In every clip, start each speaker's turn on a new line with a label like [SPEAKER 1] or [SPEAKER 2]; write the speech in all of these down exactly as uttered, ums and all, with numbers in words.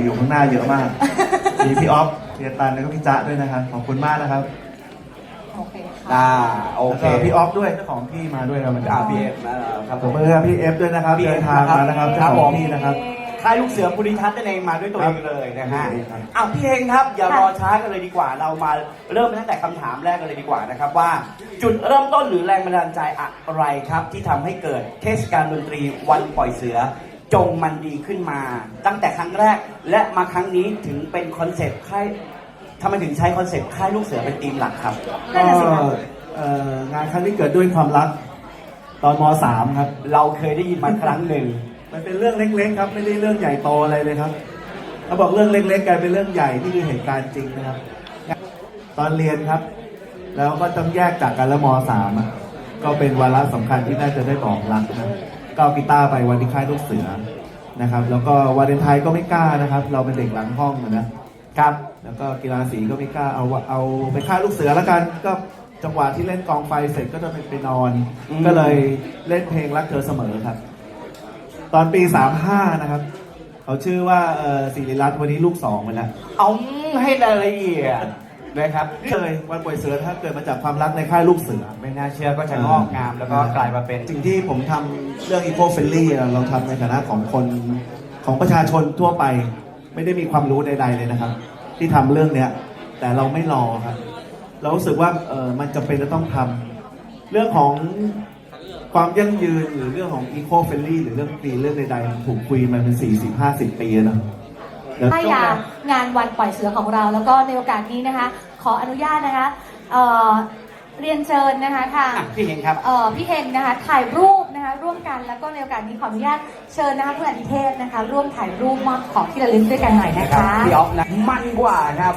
[SPEAKER 1] อยู่ข้างหน้าเยอะมากมีพี่ออฟพี่ตันแล้วก็พี่จ๊ะด้วยนะครับขอบคุณมากนะครับ
[SPEAKER 2] โอเคค่ะ
[SPEAKER 3] อ่าโอเค
[SPEAKER 1] แล้วก็พี่ออฟด้วยเจ้าของที่มาด้วยครับ
[SPEAKER 3] อ่าพี่เอฟนะครับ
[SPEAKER 1] ผมเพื่อพี่เอฟด้วยนะครับเดินทางมานะครับเจ้าของที่นะครับ
[SPEAKER 3] ค่ายลูกเสือภูริทัศน์นั่นเองมาด้วยตัวเองเลยนะฮะ
[SPEAKER 1] ครับ
[SPEAKER 3] อ้าวพี่เฮงครับอย่ารอช้ากันเลยดีกว่าเรามาเริ่มตั้งแต่คำถามแรกกันเลยดีกว่านะครับว่าจุดเริ่มต้นหรือแรงบันดาลใจอะไรครับที่ทำให้เกิดเทศกาลดนตรีวันปล่อยเสือจงมันดีขึ้นมา ตั้งแต่ครั้งแรกและมาครั้งนี้ถึงเป็นคอนเซ็ปต์ค่ายทำไมถึงใช้คอนเซ็ปต์ค่ายลูกเสือเป็นธีมหลักครับ
[SPEAKER 1] ก็งานครั้งนี้เกิดด้วยความรักตอนม .สาม ครับ
[SPEAKER 3] เราเคยได้ยินมาครั้งหนึ่ง
[SPEAKER 1] มันเป็นเรื่องเล็กๆครับไม่ได้เรื่องใหญ่โตอะไรเลยครับเขาบอกเรื่องเล็กๆกลายเป็นเรื่องใหญ่นี่คือเหตุการณ์จริงนะครับตอนเรียนครับแล้วก็ต้องแยกจากกันแล้วม .สาม ก็เป็นวาระสำคัญที่น่าจะได้บอกรักนะก็เอากีตาร์ไปวันที่ค่ายลูกเสือนะครับแล้วก็วาเลนไทน์ก็ไม่กล้านะครับเราเป็นเด็กหลังห้องนะครับแล้วก็กีฬาสีก็ไม่กล้าเอาเอาไปค่ายลูกเสือแล้วกันก็จังหวะที่เล่นกองไฟเสร็จก็จะไปนอนก็เลยเล่นเพลงรักเธอเสมอครับตอนปีสามห้านะครับเขาชื่อว่าศิริรัตน์วันนี้ลูกสองไปแล้ว
[SPEAKER 3] เอาให้รายละเอียดนะครับ
[SPEAKER 1] เคยวันปล่อยเสือถ้าเกิดมาจากความรักในค่ายลูกเสือ
[SPEAKER 3] ไม่น่าเชื่อก็จะงอกงามแล้วก็กลายมาเป็น
[SPEAKER 1] สิ่งที่ผมทำเรื่อง Eco Friendly เราทำในฐานะของคนของประชาชนทั่วไปไม่ได้มีความรู้ใดๆเลยนะครับที่ทำเรื่องเนี้ยแต่เราไม่รอครับเรารู้สึกว่าเออมันจำเป็นจะต้องทำเรื่องของความยั่งยืนหรือเรื่องของ Eco Friendly หรือเรื่องปีเรื่องใดๆมันถูกคุยมาเป็นสี่สิบห้าสิบปีแล้ว
[SPEAKER 2] ถ้าอยากงานวันปล่อยเสือของเราแล้วก็ในโอกาสนี้นะคะขออนุญาตนะคะเอ่อเรียนเชิญนะคะค่ะ
[SPEAKER 3] พี่เฮงครับ
[SPEAKER 2] เอ่อพี่เฮงนะคะถ่ายรูปนะคะร่วมกันแล้วก็ในโอกาสนี้ขออนุญาตเชิญนะคะคุณอดิเทพนะคะร่วมถ่ายรูปมอบของที่ระลึกด้วยกันหน่อยนะคะ
[SPEAKER 3] พี่ออฟนะมันกว่าครับ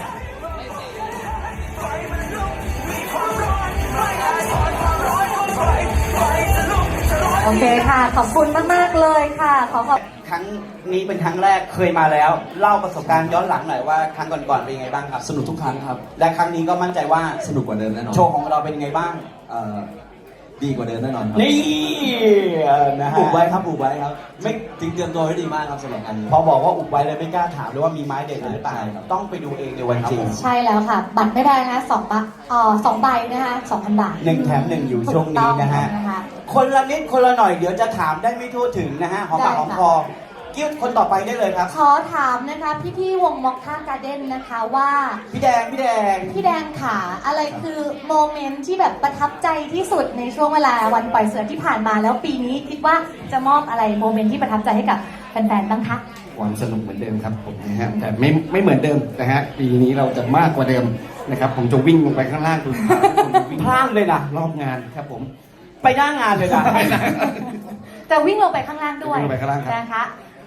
[SPEAKER 2] โอเคค่ะขอบคุณมากๆเลยค่ะขอขอบ
[SPEAKER 3] ครั้งนี้เป็นครั้งแรกเคยมาแล้วเล่าประสบการณ์ย้อนหลังหน่อยว่าครั้งก่อนๆเป็นยังไงบ้างครับ
[SPEAKER 4] สนุกทุกครั้งครับ
[SPEAKER 3] และครั้งนี้ก็มั่นใจว่า
[SPEAKER 4] สนุกกว่าเดิมแน่นอน
[SPEAKER 3] โชว์ของเราเป็นยังไงบ้าง
[SPEAKER 4] ดีกว่าเดิมแน่นอนครับ
[SPEAKER 3] นี่นะฮะ
[SPEAKER 4] อุบไว้ครับอุบไว้ครับไม่จริงเตรียมตัวไว้ดีมากครับสำหรับอันนี้
[SPEAKER 3] พอบอกว่าอุบไว้เลยไม่กล้าถามเลยว่ามีไม้เด็ดหรือเปล่าต้องไปดูเองในวันจริง
[SPEAKER 2] ใช่แล้วค่ะบัตรไม่ได้นะคะสองใบอ๋อสองใบนะคะสองพันบาท
[SPEAKER 3] หนึ่งแถมหนึ่งอยู่ช่วงนี้นะฮะคนละนิดคนละหน่อยเดี๋ยวจะถามได้ไม่ทั่วถึงนะฮะหอมปากหอมคอกิ้วคนต่อไปได้เลยครับ
[SPEAKER 2] ขอถามนะคะพี่พี่วงม็อกท่าการ์เด้นนะคะว่า
[SPEAKER 3] พี่แดงพี่แดง
[SPEAKER 2] พี่แดงขาอะไรคือโมเมนต์ที่แบบประทับใจที่สุดในช่วงเวลาวันปล่อยเสือที่ผ่านมาแล้วปีนี้คิดว่าจะมอบอะไรโมเมนต์ที่ประทับใจให้กับแฟนๆบ้างคะ
[SPEAKER 4] ความสนุกเหมือนเดิมครับผมนะฮะแต่ไม่ไม่เหมือนเดิมนะฮะปีนี้เราจะมากกว่าเดิมนะครับผมจะวิ่งลงไปข้างล่างดู
[SPEAKER 3] พลาดเลยนะ
[SPEAKER 4] รอบงานครับผม
[SPEAKER 3] ไปหน้างานเลยนะ
[SPEAKER 2] จะวิ่งลงไปข้างล่างด้วยนะคะ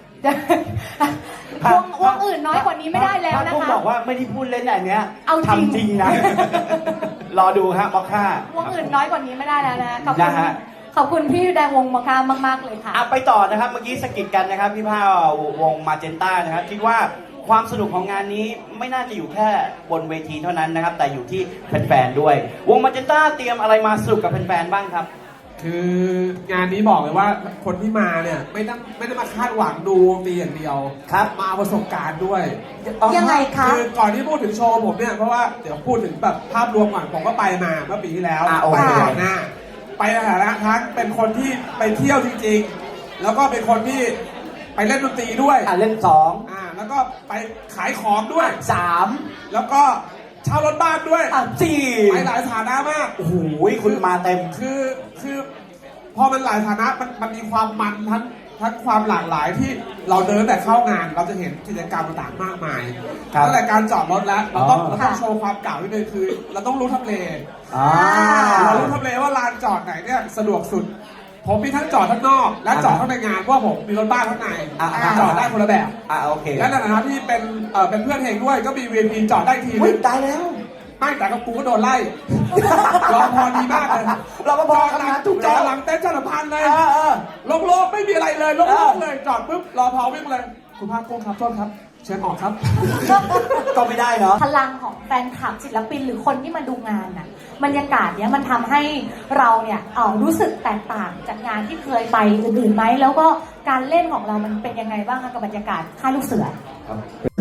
[SPEAKER 2] วงวงอื่นน้อยกว่านี้ไม่ได้แล้วนะคะ
[SPEAKER 3] ผมบอกว่าไม่ได้พูดเล่นอย่างเนี้ยเอาทำจริงนะรอดูฮะมอคค่าว
[SPEAKER 2] งอื่นน้อยกว่านี้ไม่ได้แล้วนะขอบคุณขอบคุณพี่แดงวงมอคค่ามากๆเลยค่ะ
[SPEAKER 3] เอาไปต่อนะครับเมื่อกี้สกิดกันนะครับพี่ผ้าวงมาเจนต้านะครับคิดว่าความสนุกของงานนี้ไม่น่าจะอยู่แค่บนเวทีเท่านั้นนะครับแต่อยู่ที่แฟนๆด้วยวงมาเจนต้าเตรียมอะไรมาสนุกกับแฟนๆบ้างครับ
[SPEAKER 5] คืองานนี้บอกเลยว่าคนที่มาเนี่ยไม่ต้องไม่ได้มาคาดหวังดูฟรีอย่างเดียว
[SPEAKER 3] ครับ
[SPEAKER 5] มาประสบการณ์ด้วย
[SPEAKER 2] ยังไงคะ
[SPEAKER 5] คือก่อนที่พูดถึงโชว์ผมเนี่ยเพราะว่าเดี๋ยวพูดถึงแบบภาพรวมก่อนผมก็ไปมาเมื่อปีที่แล้ว
[SPEAKER 3] ไป
[SPEAKER 5] ก่อนหน้าไปในฐานะทั้งเป็นคนที่ไปเที่ยวจริงๆแล้วก็เป็นคนที่ไปเล่นดนตรีด้วย
[SPEAKER 3] อ่าเล่นสอง
[SPEAKER 5] อ่าแล้วก็ไปขายของด้วย
[SPEAKER 3] สาม
[SPEAKER 5] แล้วก็เช่ารถบ้านด้วย
[SPEAKER 3] อ่ะสี่
[SPEAKER 5] ไปหลายฐานะมาก
[SPEAKER 3] โอ้โหคุณมาเต็ม
[SPEAKER 5] คือคือพอมันหลายฐานะมันมันมีความมันทั้งทั้งความหลากหลายที่เราเดินแต่เข้างานเราจะเห็นกิจกรรมต่างๆมากมายตั้งแต่การจอดรถแล้วเราต้องเราต้องโชว์ความเก่าที่เลยคือเราต้องรู้ทำเลเรารู้ทำเลว่าลานจอดไหนเนี่ยสะดวกสุดผมมีทั้งจอดทั้งนอกและจอดข้างในงานเพราะผมมีรถบ้านข้างในจอดได้คนละแบบ
[SPEAKER 3] อ่าโอเค
[SPEAKER 5] และในฐานะที่เป็นเอ่อเป็นเพื่อนเฮงด้วยก็มี วี ไอ พี จอดได้ที
[SPEAKER 3] นึงตายแล้ว
[SPEAKER 5] ไม่แต่กับกูก็โดนไล่รอพอดีมากเลย
[SPEAKER 3] เราก็พอทำงานถูก
[SPEAKER 5] จอดหลังเต้นจอดพันเลยโล่งๆไม่มีอะไรเลยโล่งๆเลยจอดปุ๊บรอพอวิ่งเลยคุณภาคกุ้งครับโทษครับเชิญออกครับ
[SPEAKER 3] ก็ไม่ได้เนาะ
[SPEAKER 2] พลังของแฟนคลับศิลปินหรือคนที่มาดูงานน่ะบรรยากาศเนี้ยมันทำให้เราเนี่ยเออรู้สึกแตกต่างจากงานที่เคยไปอื่นๆไหมแล้วก็การเล่นของเรามันเป็นยังไงบ้างคะกับบรรยากาศค่ายลูกเสือ
[SPEAKER 4] ครับ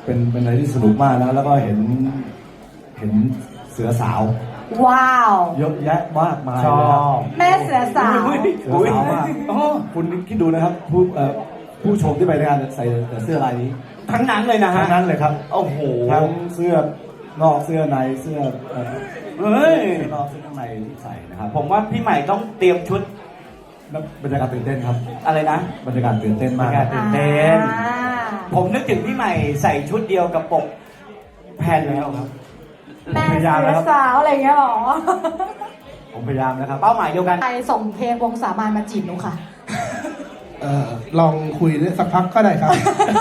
[SPEAKER 6] เป็นเป็นอะไรที่สนุกมากนะแล้วก็เห็นเห็นเสือสาว
[SPEAKER 2] ว้าว
[SPEAKER 6] เยอะแยะมากมาย
[SPEAKER 1] ชอ
[SPEAKER 6] เลยครับ
[SPEAKER 1] บ
[SPEAKER 2] แม่เสือสาว
[SPEAKER 6] เสือสาวมากคุณคิดดูนะครับผู้เอ่อผู้ชมที่ไปในงานใส่แต่เสื้อลายนี้
[SPEAKER 3] ทั้งนั้นเลยนะฮะ
[SPEAKER 6] ทั้งนั้นเลยครับ
[SPEAKER 3] โอ้โห
[SPEAKER 6] ทั้งเสื้อนอกเสื้อในเสื้อเอ่อ
[SPEAKER 3] เฮ้ย
[SPEAKER 6] เสื้อนอกเสื้อข้างในที่ใส่นะครับ
[SPEAKER 3] ผมว่าพี่ใหม่ต้องเตรียมชุด
[SPEAKER 6] แล้วบรรยากาศตื่นเต้นครับ
[SPEAKER 3] อะไรนะ
[SPEAKER 6] บรรยากาศตื่นเต้นมากครับ
[SPEAKER 3] ตื่นเต้น
[SPEAKER 2] อ่า
[SPEAKER 3] ผมนึกถึงพี่ใหม่ใส่ชุดเดียวกับปกแผ่นแล้วครับ
[SPEAKER 2] แม่
[SPEAKER 6] พยายาม
[SPEAKER 2] เสื
[SPEAKER 6] แล้
[SPEAKER 2] อ
[SPEAKER 6] วครับ
[SPEAKER 2] สาวอะไรอย่างเงี้ยหรอ
[SPEAKER 6] ผมพยายามนะครับ
[SPEAKER 3] เป้าหมายเดียวกัน
[SPEAKER 2] ใครส่งเพลงวงสามานมาจีบหนูค่ะ
[SPEAKER 5] เอ่อลองคุยด้วยสักพักก็ได้ครับ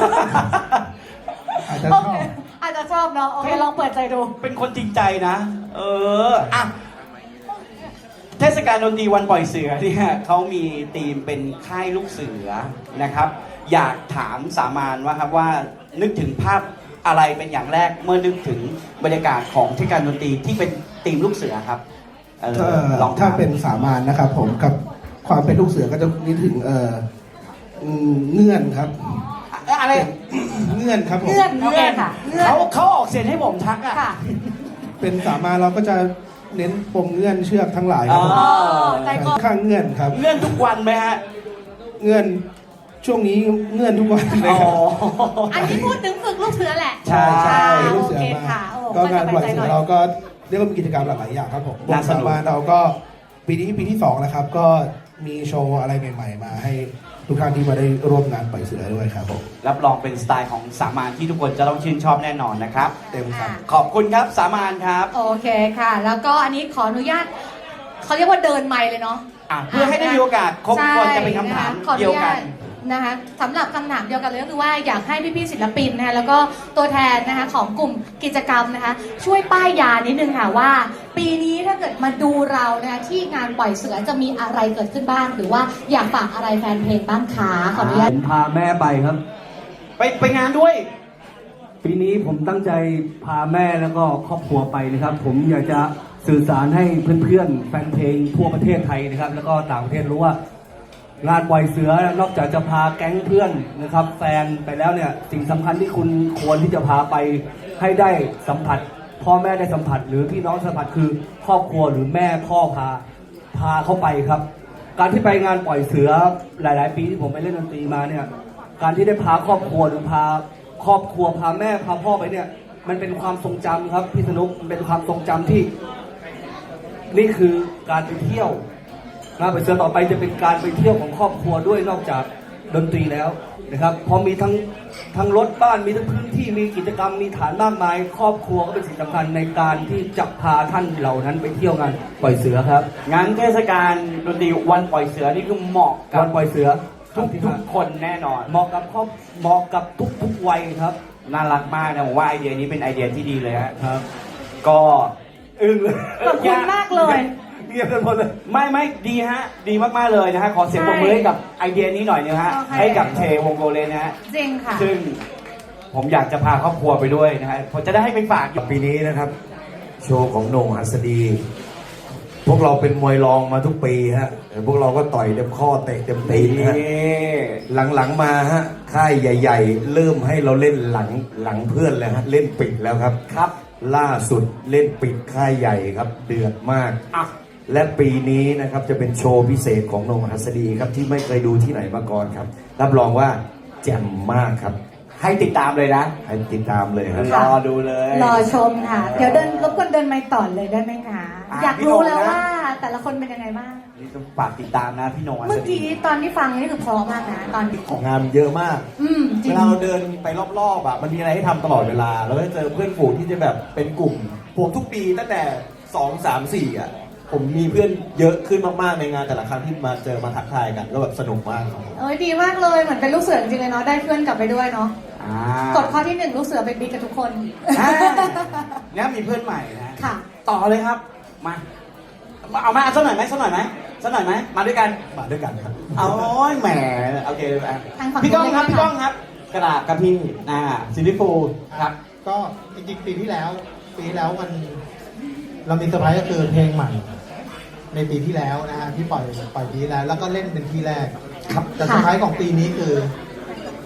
[SPEAKER 5] อาจจะ
[SPEAKER 2] โอ
[SPEAKER 5] ช
[SPEAKER 2] เค
[SPEAKER 5] อบ
[SPEAKER 2] อาจจะชอบเนาะ โอเค ลองเปิดใจดู
[SPEAKER 3] เป็นคนจริงใจนะ เอออ่ะเทศกาลดนตรีวันปล่อยเสือเนี่ยเขามีธีมเป็นค่ายลูกเสือนะครับ อยากถามสามานว่าครับว่านึกถึงภาพอะไรเป็นอย่างแรกเมื่อนึกถึงบรรยากาศของเทศกาลดนตรีที่เป็นธีมลูกเสือครับเออ
[SPEAKER 5] ถ้า
[SPEAKER 3] ลอง
[SPEAKER 5] ถ้า
[SPEAKER 3] ถาม
[SPEAKER 5] เป็นสามานนะครับ ผมกับความเป็นลูกเสือก็จะนึกถึงเอ่ออืมเงื่อนครับ
[SPEAKER 3] เอ่ออะไร
[SPEAKER 5] เงื่อนครับผม
[SPEAKER 2] เงื่อนโอเคค่ะ เงื่อน
[SPEAKER 3] เขาเขาออกเสียงให้ผมทักอ่ะ
[SPEAKER 2] ค่ะ
[SPEAKER 5] เป็นสามานเราก็จะเน้นปมเงื่อนเชือกทั้งหลายครับผม
[SPEAKER 3] อ๋อ
[SPEAKER 2] ใจคอ
[SPEAKER 5] ข้างเงื่อนครับ
[SPEAKER 3] เลื่อนทุกวันไหมฮะ
[SPEAKER 5] เงื่อนช่วงนี้เงื่อนทุกวันเลย
[SPEAKER 3] อ๋อ
[SPEAKER 5] ครับ
[SPEAKER 2] อันนี้พูดถึงฝึกลูกเสือแหละ
[SPEAKER 3] ใช่ใช่
[SPEAKER 2] อ่า
[SPEAKER 5] ลู
[SPEAKER 2] โอก
[SPEAKER 5] เสือ
[SPEAKER 2] เค
[SPEAKER 5] มา
[SPEAKER 2] ค่ะโอ้
[SPEAKER 5] ก็งานปล่อย
[SPEAKER 2] สบใจห
[SPEAKER 5] เสื
[SPEAKER 2] น่
[SPEAKER 5] อ
[SPEAKER 2] อย
[SPEAKER 5] เราก็เรียกว่ามีกิจกรรมหลากหลายอย่างครับผมว
[SPEAKER 3] น่าง สนุ
[SPEAKER 5] สาก มานเราก็ปีนี้ปีที่สองนะครับ ก็มีโชว์อะไรใหม่ ๆ มาให้ทุกท่านที่มาได้ร่วมงานปล่อยเสือด้วยครับผม
[SPEAKER 3] รับรองเป็นสไตล์ของสามานที่ทุกคนจะต้องชื่นชอบแน่นอนนะครับ
[SPEAKER 5] เต็มครับ
[SPEAKER 3] ขอบคุณครับสามานครับ
[SPEAKER 2] โอเคค่ะ แล้วก็อันนี้ขออนุญาตเขาเรียกว่าเดินไมค์เลยเนาะ
[SPEAKER 3] อ่ะเพื่อให้ได้มีโอกาสครบคนจะเป็นคำถาม
[SPEAKER 2] ใช่ะะขออ
[SPEAKER 3] เดียว
[SPEAKER 2] ญ
[SPEAKER 3] กั
[SPEAKER 2] าน ตนะคะสำหรับคำถามเดียวกันเลยก็คือว่าอยากให้พี่ๆศิลปินนะคะแล้วก็ตัวแทนนะคะของกลุ่มกิจกรรมนะคะช่วยป้ายยานิดนึงค่ะว่า ปีนี้ถ้าเกิดมาดูเรานะคะที่งานปล่อยเสือจะมีอะไรเกิดขึ้นบ้าง หรือว่าอยากฝากอะไรแฟนเพลงบ้างคะขออนุญาต
[SPEAKER 7] ผมพาแม่ไปครับ
[SPEAKER 3] ไปไปงานด้วย
[SPEAKER 7] ปีนี้ผมตั้งใจพาแม่แล้วก็ครอบครัวไปนะครับ ผมอยากจะสื่อสารให้เพื่อนๆแฟนเพลงทั่วประเทศไทยนะครับ แล้วก็ต่างประเทศรู้ว่างานปล่อยเสือนอกจากจะพาแก๊งเพื่อนนะครับ แฟนไปแล้วเนี่ยสิ่งสำคัญที่คุณควรที่จะพาไปให้ได้สัมผัส พ่อแม่ได้สัมผัส หรือพี่น้องสัมผัสคือครอบครัวหรือแม่พ่อพาพาเข้าไปครับ การที่ไปงานปล่อยเสือหลาย ๆ ปีที่ผมไปเล่นดนตรีมาเนี่ย การที่ได้พาครอบครัวหรือพาครอบครัวพาแม่พาพ่อไปเนี่ย มันเป็นความทรงจำครับพี่สนุกมันเป็นความทรงจำที่ นี่คือการไปเที่ยวงานปล่อยเสือต่อไปจะเป็นการไปเที่ยวของครอบครัวด้วยนอกจากดนตรีแล้วนะครับเพอมีทั้งทั้งรถบ้านมีทั้งพื้นที่มีกิจกรรมมีฐานมากมาย ครอบครัวก็เป็นสิ่งสำคัญในการที่จะพาท่านเหล่านั้นไปเที่ยวงานปล่อยเสือครับ
[SPEAKER 3] งานเทศกาลดนตรีวันปล่อยเสือนี่คือเหมาะกั
[SPEAKER 7] วั
[SPEAKER 3] บ
[SPEAKER 7] นปล่อยเสือ
[SPEAKER 3] ทุกทุกคนแน่นอน
[SPEAKER 7] เหมาะกับครอบเหมาะกับทุกทุกวัยครับ
[SPEAKER 3] น่ารักมากนะผมว่าไอเดียนี้เป็นไอเดียที่ดีเลยฮะ
[SPEAKER 7] ครับ
[SPEAKER 3] ก็
[SPEAKER 7] อึ้งเลย
[SPEAKER 2] ขอบคุณมากเลย
[SPEAKER 7] เงียบกันหมดเลย
[SPEAKER 3] ไม่ไม่ดีฮะ ดีมากๆเลยนะฮะ ขอเสียงปรบมือให้กับไอเดียนี้หน่อยนะฮะ
[SPEAKER 2] โอเค
[SPEAKER 3] ให้กับเทวงโกเลนนะฮะ
[SPEAKER 2] จริงค่ะ
[SPEAKER 3] ซึ่งผมอยากจะพาครอบครัวไปด้วยนะฮะผมจะได้ให้ไปฝากอยู่
[SPEAKER 8] ปีนี้นะครับ โชว์ของโหน่งหัสดี พวกเราเป็นมวยรองมาทุกปีฮะแต่พวกเราก็ต่อยเต็มข้อเตะเต็มตีนฮะหลังๆมาฮะค่ายใหญ่ๆ เริ่มให้เราเล่นหลังหลังเพื่อนแล้วฮะเล่นปิดแล้วครับ
[SPEAKER 3] ครับ
[SPEAKER 8] ล่าสุดเล่นปิดค่ายใหญ่ครับ เดือดมาก
[SPEAKER 3] อ่ะ
[SPEAKER 8] และปีนี้นะครับจะเป็นโชว์พิเศษของโหน่งหัสดีครับที่ไม่เคยดูที่ไหนมาก่อนครับ รับรองว่าแจ่มมากครับ
[SPEAKER 3] ให้ติดตามเลยนะ
[SPEAKER 8] ให้ติดตามเลยครับ
[SPEAKER 3] รอดูเลย
[SPEAKER 2] รอชมค่ะ เดี๋ยวเดินรบกวนเดินไมค์ต่อเลยได้ไหมคะ
[SPEAKER 3] อ่ะ
[SPEAKER 2] อยาก
[SPEAKER 3] พี่
[SPEAKER 2] รู้
[SPEAKER 3] โหน่ง
[SPEAKER 2] แล้ว
[SPEAKER 3] นะ
[SPEAKER 2] ว่าแต่ละคนเป็นยังไงบ้าง
[SPEAKER 3] นี่ต้องฝากติดตามนะพี่โหนง
[SPEAKER 2] เมื่อกี้ตอนที่ฟังนี่คือเพราะมากนะตอน
[SPEAKER 1] ของงานมันเยอะมาก
[SPEAKER 2] อืมจริ
[SPEAKER 1] เว
[SPEAKER 2] ง
[SPEAKER 1] ลาเราเดินไปรอบๆอ่ะมันมีอะไรให้ทำตลอดเวลา เราก็จะเจอเพื่อนฝูงที่จะแบบเป็นกลุ่มผมทุกปีตั้งแต่สองสามสี่อ่ะผมมีเพื่อนเยอะขึ้นมากๆในงานแต่ละครั้งที่มาเจอมาทักทายกันก็แบบสนุกมากครับผม
[SPEAKER 2] เอ้ยดีมากเลยเหมือนเป็นลูกเสือจริงๆเลยเนาะได้เพื่อนกลับไปด้วยเนาะ
[SPEAKER 3] อ่าก
[SPEAKER 2] ฎข้อที่หนึ่งลูกเสือไปบิ๊กกับทุกคน
[SPEAKER 3] อ่าเนี่ยมีเพื่อนใหม่นะ
[SPEAKER 2] ค่ะ
[SPEAKER 3] ต่อเลยครับ มาเอามาสักหน่อยไหมสักหน่อยไหมสักหน่อยไหมมาด้วยกัน
[SPEAKER 1] มาด้วยกันครับ
[SPEAKER 3] เอาโอ้ยแหมโอเคอ่ะ
[SPEAKER 2] ทางฝั่ง
[SPEAKER 3] พี่ก้องครับ
[SPEAKER 2] นู้นเลย
[SPEAKER 3] พี่ก้องครับ กระดาษกับพี่อ่าซิลิฟูครับ
[SPEAKER 9] ก็จริงๆปีที่แล้ว ปีที่แล้วมันเรามีเซอร์ไพรส์ก็คือเพลงใหม่ ในปีที่แล้วนะฮะที่ปล่อยปล่อยปีที่แล้ว แล้วก็เล่นเป็นที่แรกครับแต่เซอร์ไพรส์ของปีนี้คือ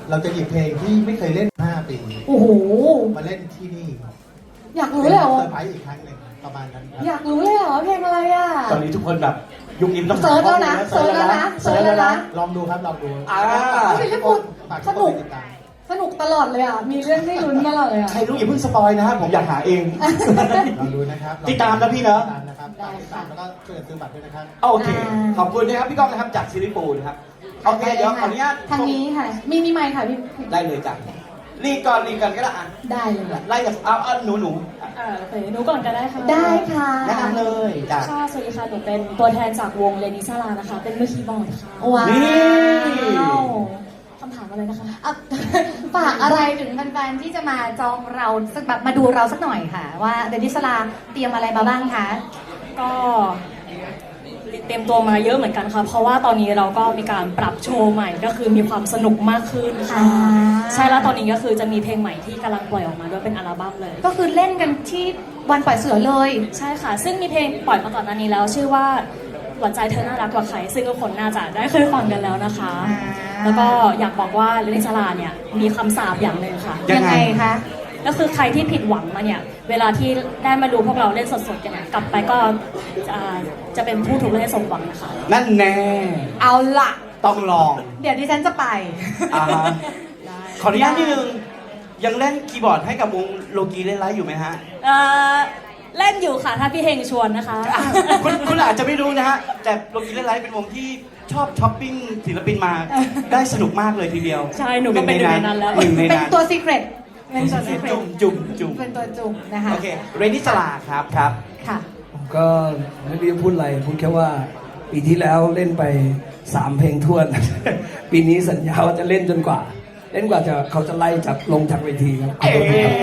[SPEAKER 9] เราจะหยิบเพลงที่ไม่เคยเล่นห้าปี
[SPEAKER 2] โอ้โห
[SPEAKER 9] มาเล่นที่นี่
[SPEAKER 2] อยากรู้เลยเหรอ
[SPEAKER 9] เซอร์ไพรส์อีกครั้งหนึ่งประมาณนั้นครับ
[SPEAKER 2] อยากรู้เลยเหรอเพลงอะไรอ่ะ
[SPEAKER 3] ตอนนี้ทุกคนแบบยุคนี้ต้อง
[SPEAKER 2] เซิร์ชแล้วนะเซิร์ชแล้วนะเซิร์ชแล้วนะ
[SPEAKER 9] ลองดูครับลองดู
[SPEAKER 3] อ่า
[SPEAKER 2] เฮ้ยพี่พูด
[SPEAKER 9] ฝาก
[SPEAKER 2] ส
[SPEAKER 9] ทุก
[SPEAKER 2] นุ
[SPEAKER 9] ค
[SPEAKER 2] ก
[SPEAKER 9] นติดตาม
[SPEAKER 2] สนุกตลอดเลยอ่ะ มีเรื่องให้ลุ้นตลอดเลยอ่ะ
[SPEAKER 3] ใครรู้อย่าเพิ่งสปอยนะฮะผมอยากหาเอง
[SPEAKER 9] ลองดูนะครับ
[SPEAKER 3] ติดตามนะพี่เนอะ
[SPEAKER 9] ติดตามนะครับฝากติดตามแล้วก็ช่วยกันซื้อบัตรด้วยนะครับ
[SPEAKER 3] โอเค ขอบคุณนะครับพี่ก้องนะครับจากซิลิปูนะครับ โอเค เดี๋ยวขออนุญาต
[SPEAKER 2] ทางนี้ค่ะ มีมีไมค์ค่ะพี่
[SPEAKER 3] ได้เลยจ้ะรีก่อนรีก่อนก็ได้อ่ะ
[SPEAKER 2] ได้เลย
[SPEAKER 3] ไล่จากเอาเอาหนูหนู
[SPEAKER 10] อ่าโอเคหนูก่อนก็ได้ค่ะ
[SPEAKER 2] ได้ค่ะ
[SPEAKER 3] แนะนำเลยจ้ะ
[SPEAKER 10] ค่ะสวัสดีค่ะ หนูเป็นตัวแทนจากวงเลนิซาลานะคะ เป็นมือคีย์บอร์ดค่ะ
[SPEAKER 2] ว้าว
[SPEAKER 3] นี่
[SPEAKER 10] คำถามอะไรนะคะ
[SPEAKER 2] อ่ะฝากอะไรถึงแฟนๆที่จะมาจองเราสักแบบมาดูเราสักหน่อยค่ะ ว่าเดนิสลาเตรียมอะไรมาบ้างคะ
[SPEAKER 10] ก็เตรียมตัวมาเยอะเหมือนกันค่ะ เพราะว่าตอนนี้เราก็มีการปรับโชว์ใหม่ ก็คือมีความสนุกมากขึ้นค่ะ
[SPEAKER 2] อ่า
[SPEAKER 10] ใช่แล้วตอนนี้ก็คือจะมีเพลงใหม่ที่กำลังปล่อยออกมาด้วยเป็นอัลบั้มเลย
[SPEAKER 2] ก็คือเล่นกันที่วันปล่อยเสือเลย
[SPEAKER 10] ใช่ค่ะ ซึ่งมีเพลงปล่อยมาก่อนหน้านี้แล้ว ชื่อว่าหวานใจเธอน่ารักกว่าใคร ซึ่งทุกคนน่าจะได้เคยฟังกันแล้วนะคะ
[SPEAKER 2] อ่า
[SPEAKER 10] แล้วก็อยากบอกว่าเลนิซาลาเนี่ยมีคำสาปอย่างหนึ่งค่ะ
[SPEAKER 2] ยังไงคะ
[SPEAKER 10] ก็คือใครที่ผิดหวังมาเนี่ย เวลาที่ได้มาดูพวกเราเล่นสดๆกันเนี่ยกลับไปก็จะจะเป็นผู้ถูกเล่นให้สมหวังนะคะ
[SPEAKER 3] นั่นแน่
[SPEAKER 2] เอาละ
[SPEAKER 3] ต้องลอง
[SPEAKER 2] เดี๋ยวดิฉันจะไป
[SPEAKER 3] อ่าฮะขออนุญาตนิดนึง ยังเล่นคีย์บอร์ดให้กับวงโลกีเล่นไลฟ์อยู่ไหมฮะ
[SPEAKER 10] เอ่อเล่นอยู่ค่ะถ้าพี่เฮงชวนนะคะ
[SPEAKER 3] อ่ะคุณคุณอาจจะไม่รู้นะฮะ แต่โลกีเล่นไลฟ์เป็นวงที่ชอบช้อปปิ้งศิลปินมา ได้สนุกมากเลยทีเดียว
[SPEAKER 10] ใช่หนูก็เป็นหนึ่งในนั้นแล้ว
[SPEAKER 3] หนึ่งใน
[SPEAKER 2] เป็น
[SPEAKER 3] นั้น
[SPEAKER 2] ตัวซีเครตเป็นตัวซีเครต
[SPEAKER 3] จุ่มจุ่มจุ่ม
[SPEAKER 2] เป็นตัวจุ่มนะคะ
[SPEAKER 3] โอเค เรนนี่สลาครับครับ
[SPEAKER 2] ค่ะ
[SPEAKER 7] ผมก็ไม่รู้จะพูดอะไรพูดแค่ว่าปีที่แล้วเล่นไปสามเพลงทวน ปีนี้สัญญาว่าจะเล่นจนกว่า เล่นกว่าจะเขาจะไล่จากลงจากเวทีครับขอบ
[SPEAKER 3] เอ๊
[SPEAKER 7] คุณครับ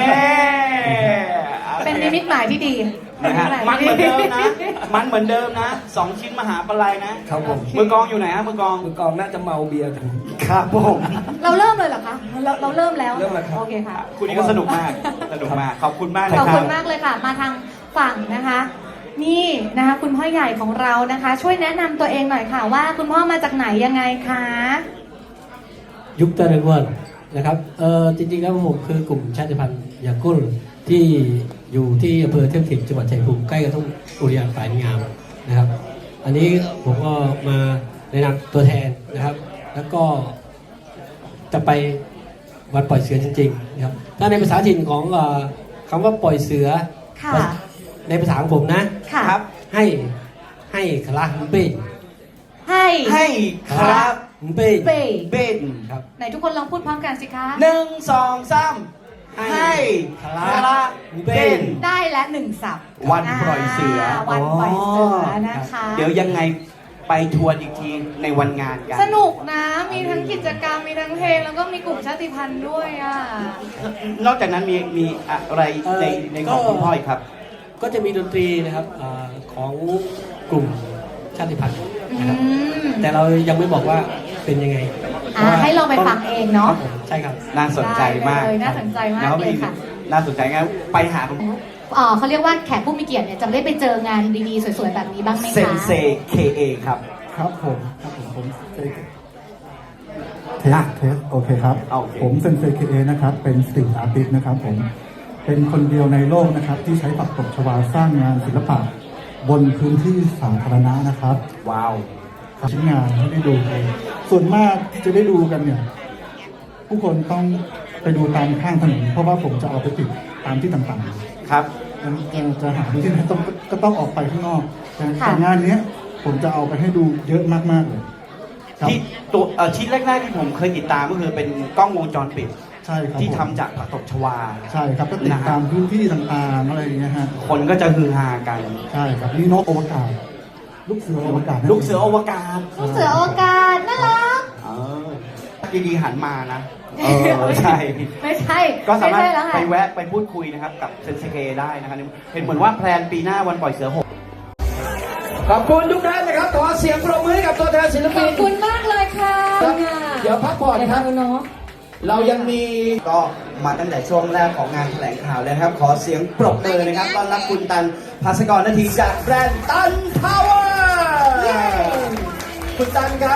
[SPEAKER 3] ะ
[SPEAKER 2] เป็นนิมิตหมายที่ดี
[SPEAKER 3] นะฮะมันเหมือนเดิมนะ มันเหมือนเดิมนะสองชิ้นมหาปลัยนะครับ
[SPEAKER 7] ผม
[SPEAKER 3] มือกองอยู่ไหนฮะมือกอง
[SPEAKER 7] มือกลองน่าจะเมาเบียร์กัน
[SPEAKER 3] ครับผม
[SPEAKER 2] เราเริ่มเลยเหรอคะ เราเราเริ่มแล้ว
[SPEAKER 7] เริ่มแล้วครับ
[SPEAKER 2] โอเคค่ะ
[SPEAKER 3] คุณนี่ก็สนุกมาก สนุกมาก ขอบคุณมากนะ
[SPEAKER 2] ขอบ
[SPEAKER 3] ครั
[SPEAKER 2] คุ
[SPEAKER 3] บ
[SPEAKER 2] ณมากเลยค่ะ มาทางฝั่งนะคะ นี่นะคะคุณพ่อใหญ่ของเรานะคะ ช่วยแนะนำตัวเองหน่อยค่ะว่าคุณพ่อมาจากไหนยังไงคะ
[SPEAKER 11] ยุคตะลึงวันนะครับเออจริงๆแล้วผมคือกลุ่มชาติพันธุ์ยากุลที่อยู่ที่อำเภอเทพถินจังหวัดชัยภูมิใกล้กับทุ่งอุทยานฝ่ายงามนะครับ อันนี้ผมก็มาในนามตัวแทนนะครับ แล้วก็จะไปวันปล่อยเสือจริงๆนะครับถ้าในภาษาถิ่นของเอ่อคำว่าปล่อยเสือ
[SPEAKER 2] ค่ะ
[SPEAKER 11] ในภาษาของผมนะ
[SPEAKER 2] ค่ะ
[SPEAKER 3] ครับ
[SPEAKER 11] ให้ให้คลาฮุมเป้
[SPEAKER 2] ให้
[SPEAKER 3] ให้ครับ
[SPEAKER 11] ฮุมเป้
[SPEAKER 2] เป้
[SPEAKER 3] เบน
[SPEAKER 11] ครับ
[SPEAKER 2] ไหนทุกคนลองพูดพร้อมกันสิคะ
[SPEAKER 3] หนึ่งสองสามให้คลาเบน
[SPEAKER 2] ได้และหนึ่งสับ
[SPEAKER 3] วันปล่อยเสือ
[SPEAKER 2] วันปล่อยเสือนะคะ
[SPEAKER 3] เดี๋ยวยังไงไปทวนอีกทีในวันงานกัน
[SPEAKER 2] สนุกนะ มีทั้งกิจกรรม มีทั้งเพลง แล้วก็มีกลุ่มชาติพันธุ์ด้วยอ่ะ
[SPEAKER 3] นอกจากนั้นมีมีอะไรในในของคุณพ่ออีกครับ
[SPEAKER 11] ก็จะมีดนตรีนะครับอาของกลุ่มชาติพันธุ์นะครับ
[SPEAKER 2] อืม
[SPEAKER 11] แต่เรายังไม่บอกว่าเป็นยังไง
[SPEAKER 2] อ่าให้ลองไปฟังเองเนาะ
[SPEAKER 11] ครับผมใช่ครับ
[SPEAKER 3] น่าสนใจมาก
[SPEAKER 2] ได้เลยน่าสนใจมาก
[SPEAKER 3] แล้ว
[SPEAKER 2] เลยค่ะ
[SPEAKER 3] น่าสนใจงั้นไปหาคุณ
[SPEAKER 2] เอ่อเขาเรียกว่าแขกผู้มีเกียรติเนี่ยจะได้ไปเจองานดีๆ สวยๆ แบบนี้บ้างไหมคะ
[SPEAKER 3] เซนเซ เค เอ ครับ
[SPEAKER 6] ครับผมครับผมผมเซเทสเทสโอเคครับ
[SPEAKER 3] โอเค
[SPEAKER 6] ผมเซนเซเคเอนะครับ เป็นสตรีทอาร์ติสต์นะครับผม เป็นคนเดียวในโลกนะครับ ที่ใช้ปักตบชวาสร้างงานศิลปะบนพื้นที่สาธารณะนะครับ
[SPEAKER 3] ว้าว
[SPEAKER 6] ชิ้นงานให้ได้ดูกันส่วนมากที่จะได้ดูกันเนี่ย ผู้คนต้องไปดูตามข้างถนนเพราะว่าผมจะเอาไปติดตามที่ต่างๆ
[SPEAKER 3] ครับ
[SPEAKER 6] จะจะหาดูที่ไหนต้องก็ต้องออกไปข้างนอกแต่
[SPEAKER 2] ค่ะ
[SPEAKER 6] แต่งานเนี้ย ผมจะเอาไปให้ดูเยอะมากๆเลยครับ
[SPEAKER 3] ที่ตัวเอ่อชิ้นแรกๆที่ผมเคยติดตามก็คือเป็นกล้องวงจรปิด
[SPEAKER 6] ใช่ครับ
[SPEAKER 3] ที่
[SPEAKER 6] ผม
[SPEAKER 3] ทำจากผักตบชวา
[SPEAKER 6] ใช่ครับก็ติดตามพื้นที่ต่างๆอะไรอย่างเงี้ยฮะ
[SPEAKER 3] คนก็จะฮือฮากัน
[SPEAKER 6] ใช่ครับนี่นกอวกาศลูกเสืออวกาศนะ
[SPEAKER 3] ลูกเสืออวกาศ
[SPEAKER 2] ลูกเสืออวกาศน่ารัก
[SPEAKER 3] เออดีๆหันมานะ เออใช่
[SPEAKER 2] ไม่ใช่
[SPEAKER 3] ก็สามารถ
[SPEAKER 2] ไใช่แล้ว
[SPEAKER 3] ไป
[SPEAKER 2] ค่ะ
[SPEAKER 3] แวะไปพูดคุยนะครับกับเซนเซเกได้นะครับเห็นเหมือนว่าแพลนปีหน้าวันปล่อยเสือหก
[SPEAKER 4] ขอบคุณทุกท่านนะครับขอเสียงปรบมือให้กับตัวแทนศิล
[SPEAKER 2] ข
[SPEAKER 4] ปิ
[SPEAKER 2] อบ
[SPEAKER 4] น
[SPEAKER 2] คุณมากเลยค่ะ
[SPEAKER 4] เดี๋ยวพักผ่อนนะครับ
[SPEAKER 2] เนาะ
[SPEAKER 3] เรายังมีก็มาตั้งแต่ช่วงแรกของงานแถลงข่าวเลยนะครับ ขอเสียงปรบมือนะครับต้อนรับคุณตันภาสกรนาทีจากแบรนด์ตันพาวเวอร์คุณตันครับ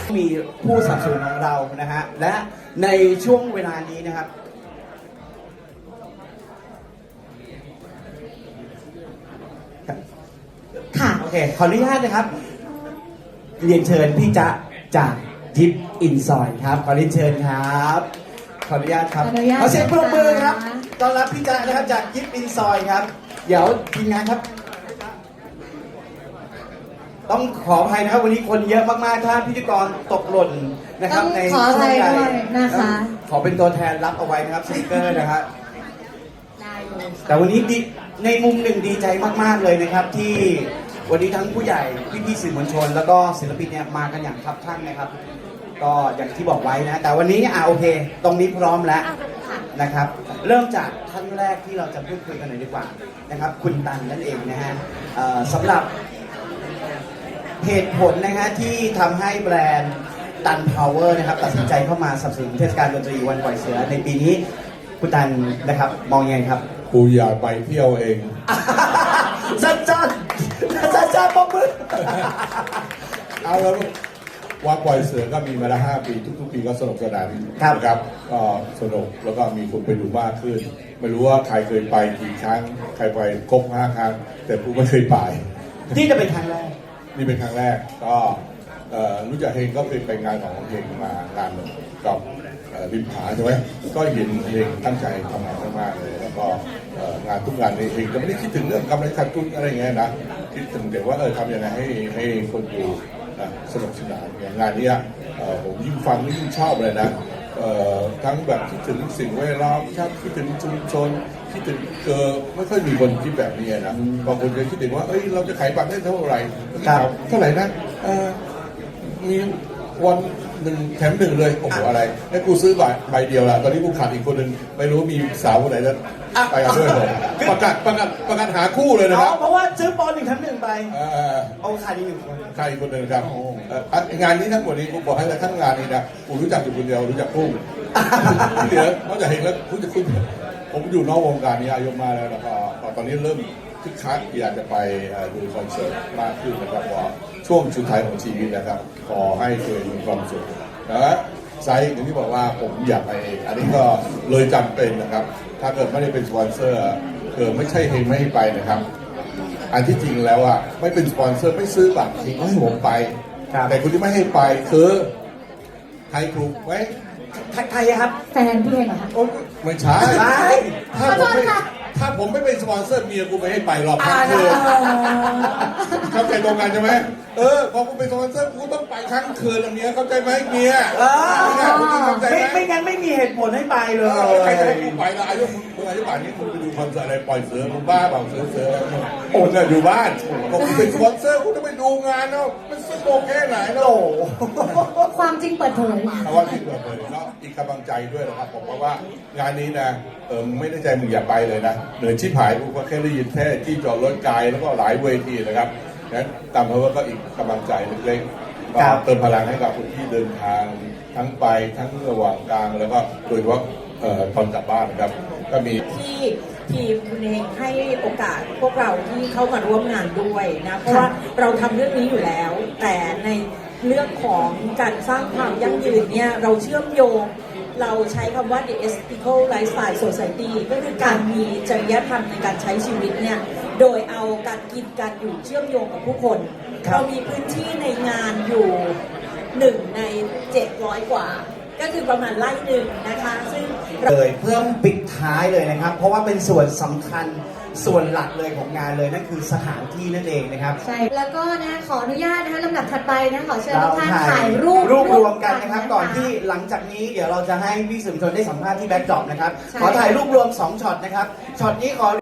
[SPEAKER 3] มีผู้สนับสนุนของเรานะฮะและในช่วงเวลานี้นะครับค่ะโอเคขออนุญาตนะครับเรียนเชิญพี่จ๊ะจากยิปอินซอยครับขอเรียนเชิญครับขออนุญาตครับ
[SPEAKER 2] ขออนุญาต
[SPEAKER 3] ขอเสียงปรบมือครับ
[SPEAKER 2] นะคะ
[SPEAKER 3] ต้อนรับพี่จ๊ะนะครับจากยิปอินซอยครับเดี๋ยวทีมงานครับ ต้องขออภัยนะครับวันนี้คนเยอะมากๆถ้าพิธีกรตกหล่นนะครับ
[SPEAKER 2] ต้อง
[SPEAKER 3] ใน
[SPEAKER 2] ขออภัย
[SPEAKER 3] ช่วงใด
[SPEAKER 2] ด้วยนะคะ
[SPEAKER 3] ขอเป็นตัวแทนรับเอาไว้นะครับสติกเกอร์นะครับ
[SPEAKER 2] ได้เลย
[SPEAKER 3] แต่วันนี้ดีในมุมหนึ่งดีใจมากๆเลยนะครับ ที่วันนี้ทั้งผู้ใหญ่พี่ๆสื่อมวลชน แล้วก็ศิลปินเนี่ยมากันอย่างคับคั่งนะครับ ก็อย่างที่บอกไว้นะแต่วันนี้อ่ะโอเค ตรงนี้พร้อมแล้วนะครับ เริ่มจากท่านแรกที่เราจะพูดคุยกันหน่อยดีกว่านะครับ คุณตันนั่นเองนะฮะเอ่อสำหรับ เหตุผลนะฮะที่ทำให้แบรนด์ตันพาวเวอร์นะครับตัดสินใจเข้ามาสนับสนุนเทศกาลดนตรีวันปล่อยเสือในปีนี้คุณตันนะครับมองยังไงครับ
[SPEAKER 12] กูอยากไปเที่ยวเอง
[SPEAKER 3] สั้นสั้นสั้นสั้นป๊อปมือ
[SPEAKER 12] เอาแล้ววันปล่อยเสือก็มีมาแล้วห้าปีทุกๆปีก็สนุกสนานนะครับก็สนุกแล้วก็มีคนไปดูมากขึ้น ไม่รู้ว่าใครเคยไปกี่ครั้งใครไปครบห้าครั้งแต่กูไม่เคยไป
[SPEAKER 3] ที่จะเป็นครั้งแรก
[SPEAKER 12] นี่เป็นครั้งแรกก็เอ่อรู้จักเฮงก็เป็นไปงานของเฮงมางานหนึ่งกับเอ่อริมผาใช่ไหมก็เห็นเฮงตั้งใจทำงานมากๆเลยแล้วก็เอ่องานทุกงานในเฮงก็ไม่ได้คิดถึงเรื่องกำไรขาดทุนอะไรอย่างเงี้ยนะคิดถึงแต่ว่าเออทำยังไงให้ให้คนดูนะสนุกสนานอย่างงานเนี้ยเอ่อผมยิ่งฟังยิ่งชอบเลยนะเอ่อทั้งแบบคิดถึงสิ่งแวดล้อมคิดถึงชุมชนคิดถึงเออไม่ค่อยมีคนคิดแบบนี้นะบางคนจะคิดถึงว่าเอ้ยเราจะขายบัตรได้เท่าไหร่เท่าไหร่นะเออมีวันหนึ่งแถมหนึ่งเลยโอ้โหอะไรให้กูซื้อใบใบเดียวละตอนนี้กูขาดอีกคนหนึ่งไม่รู้มีสาวคนไหนจะไปกันด้วยเลยประกาศประกาศประกาศหาคู่เลยนะครับ
[SPEAKER 3] เพราะว่าซื้อปอนหนึ่งทั้งหนึ่งไป
[SPEAKER 12] เออ
[SPEAKER 3] เอาขาดอีกหนึ่งคน
[SPEAKER 12] ใครคนหนึ่งครับเอ่ออ่ะงานนี้ทั้งหมดนี้กูบอกให้ทั้งงานนี้นะกูรู้จักอยู่คนเดียวรู้จักพุ่งที่เหลือนอกจากเห็นแล้วคุณจะคุณผมอยู่นอกวงการนี้อายุมากแล้วแล้วก็ตอนนี้เริ่มคึกคักอยากจะไปดูคอนเสิร์ตมากขึ้นนะครับว่าช่วงสุดท้ายของชีวิตนะครับขอให้เคยมีความสุขนะไซส์อย่างที่บอกว่าผมอยากไปเองอันนี้ก็เลยจำเป็นนะครับถ้าเกิดไม่ได้เป็นสปอนเซอร์เกิดไม่ใช่เฮงไม่ให้ไปนะครับอันที่จริงแล้วอ่ะไม่เป็นสปอนเซอร์ไม่ซื้อบัตรเฮงก็ให้ผมไปแต่คนที่ไม่ให้ไปคือใครถูกไหม
[SPEAKER 3] ใครครับ
[SPEAKER 2] แฟนพี่เองเหรอคะ
[SPEAKER 12] โอ้ไม่ใช่ถ้าผมไม่ถ้าผมไม่เป็นสปอนเซอร์เมียกูไม่ให้ไปหรอกครับคือเข้าใจตรงกันใช่ไหมเออพอกูเป็นสปอนเซอร์กูต้องไปครั้งคืนแล้วเมียเข้าใจไหมเมีย
[SPEAKER 3] เออ
[SPEAKER 12] เข้าใจ
[SPEAKER 3] ไม่
[SPEAKER 12] ไหม
[SPEAKER 3] ไม่งั้นไม่มีเหตุผลให้ไปเลย
[SPEAKER 12] ใครจะให้กูไปละอายุมึงอายุป่านนี้มึงไปดูคอนเสิร์ตอะไรปล่อยเสือมึงบ้าเปล่าเสือเสือโอ้เนี่ยอยู่บ้านบอกกูเป็นสปอนเซอร์กูต้องไปดูงานเนาะมันสนุกแค่ไหนเนาะ
[SPEAKER 2] ความจริงเปิดเผย
[SPEAKER 12] เพราะว่าที่เปิดเผยก็อีกกำลังใจด้วยนะครับผมเพราะว่างานนี้นะเออไม่ได้ใจมึงอย่าไปเลยนะเหนื่อยชิบหายกูก็แค่ได้ยินแค่ที่จอดรถไกลแล้วก็หลายเวทีนะครับงั้นตามเพราะว่าก็อีกกำลังใจเล็กๆก็เติมพลังให้กับคนที่เดินทางทั้งไปทั้งระหว่างกลางแล้วก็โดยเฉพาะเอ่อตอนกลับบ้านนะครับก็มี
[SPEAKER 13] ที่ทีมคุณเองให้โอกาสพวกเราที่เข้ามาร่วมงานด้วยนะเพราะว่าเราทำเรื่องนี้อยู่แล้ว แต่ในเรื่องของการสร้างความยั่งยืนเนี่ยเราเชื่อมโยงเราใช้คำว่า the ethical lifestyle society ก็คือการมีจริยธรรมในการใช้ชีวิตเนี่ยโดยเอาการกินการอยู่เชื่อมโยงกับผู้คนเรามีพื้นที่ในงานอยู่หนึ่งในเจ็ดร้อยกว่าก็คือประมาณไร่หนึ่งนะคะซึ่ง
[SPEAKER 3] เลยเพื่อปิดท้ายเลยนะครับ เพราะว่าเป็นส่วนสำคัญส่วนหลักเลยของงานเลยนั่นคือสถานที่นั่นเองนะครับ
[SPEAKER 2] ใช่ แล้วก็นะขออนุญาตนะคะลำดับถัดไปนะขอเชิญ
[SPEAKER 3] เรา
[SPEAKER 2] ทุกท่าน
[SPEAKER 3] ถ่า
[SPEAKER 2] ถ่าย ยรูป
[SPEAKER 3] รูปรวมกันนะครับ
[SPEAKER 2] ะ
[SPEAKER 3] ก่อนที่หลังจากนี้เดี๋ยวเราจะให้พี่สื่อมวลชนได้สัมภาษณ์ที่แบ็คดรอปนะครับ
[SPEAKER 2] ใช่
[SPEAKER 3] ขอถ่ายรูปรวมสองช็อตนะครับช็อตนี้ขอ